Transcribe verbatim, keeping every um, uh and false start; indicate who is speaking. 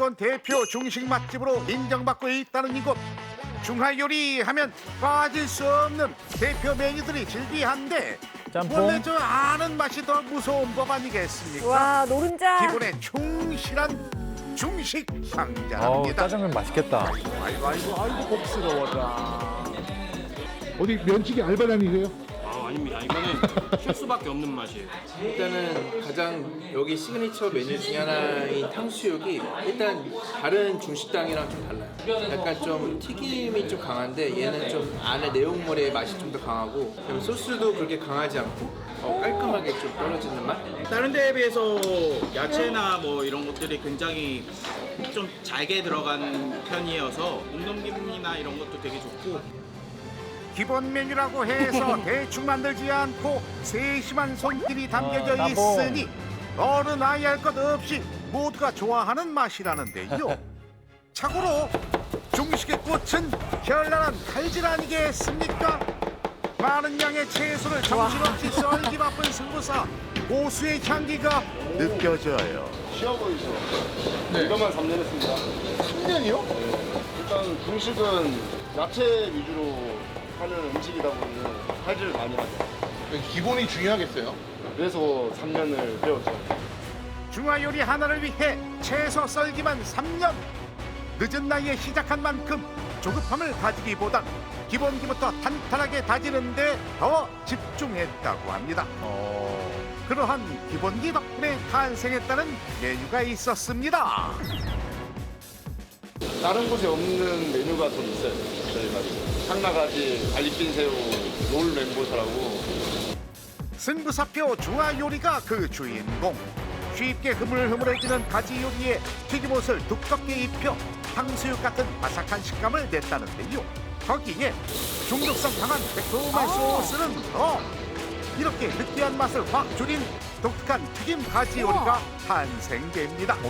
Speaker 1: 수도권 대표 중식 맛집으로 인정받고 있다는 이곳. 중화요리 하면 빠질 수 없는 대표 메뉴들이 즐비한데
Speaker 2: 짬뽕.
Speaker 1: 원래 저 아는 맛이 더 무서운 법 아니겠습니까?
Speaker 3: 와, 노른자.
Speaker 1: 기본에 충실한 중식
Speaker 2: 어우,
Speaker 1: 상자입니다.
Speaker 2: 짜장면 맛있겠다.
Speaker 1: 아이고 아이고 아이고 복스러워라.
Speaker 4: 어디 면치기 알바단이세요?
Speaker 5: 아, 아닙니다. 이거는 실수밖에 없는 맛이에요.
Speaker 6: 일단은 가장 여기 시그니처 메뉴 중에 하나인 탕수육이 일단 다른 중식당이랑 좀 달라요. 약간 좀 튀김이 좀 강한데 얘는 좀 안에 내용물의 맛이 좀 더 강하고 그리고 소스도 그렇게 강하지 않고 어, 깔끔하게 좀 떨어지는 맛?
Speaker 5: 다른 데에 비해서 야채나 뭐 이런 것들이 굉장히 좀 잘게 들어간 편이어서 몽동김이나 이런 것도 되게 좋고
Speaker 1: 기본 메뉴라고 해서 대충 만들지 않고 세심한 손길이 담겨져
Speaker 2: 어, 따봉.
Speaker 1: 있으니 어른 아이 할 것 없이 모두가 좋아하는 맛이라는데요. 참고로 중식의 꽃은 현란한 칼질 아니겠습니까? 많은 양의 채소를 정신없이 썰기 바쁜 승부사 고수의 향기가 느껴져요.
Speaker 7: 쉬워 보이죠? 네. 이것만 삼 년 했습니다.
Speaker 4: 삼 년이요?
Speaker 7: 일단 중식은 야채 위주로 하는 음식이다 보니 칼질을 많이 하죠.
Speaker 4: 기본이 중요하겠어요.
Speaker 7: 그래서 삼 년을 배웠죠.
Speaker 1: 중화요리 하나를 위해 채소 썰기만 삼 년. 늦은 나이에 시작한 만큼 조급함을 가지기보단 기본기부터 탄탄하게 다지는데 더 집중했다고 합니다.
Speaker 2: 어,
Speaker 1: 그러한 기본기 덕분에 탄생했다는 메뉴가 있었습니다.
Speaker 7: 다른 곳에 없는 메뉴가 좀 있어요. 저희가 상나가지, 갈릭빈 새우, 롤 멘보샤라고.
Speaker 1: 승부사표 중화요리가 그 주인공. 쉽게 흐물흐물해지는 가지 요리에 튀김옷을 두껍게 입혀 탕수육 같은 바삭한 식감을 냈다는데요. 거기에 중독성 강한 매콤한 소스는 더 이렇게 느끼한 맛을 확 줄인 독특한 튀김 가지 요리가 탄생됩니다.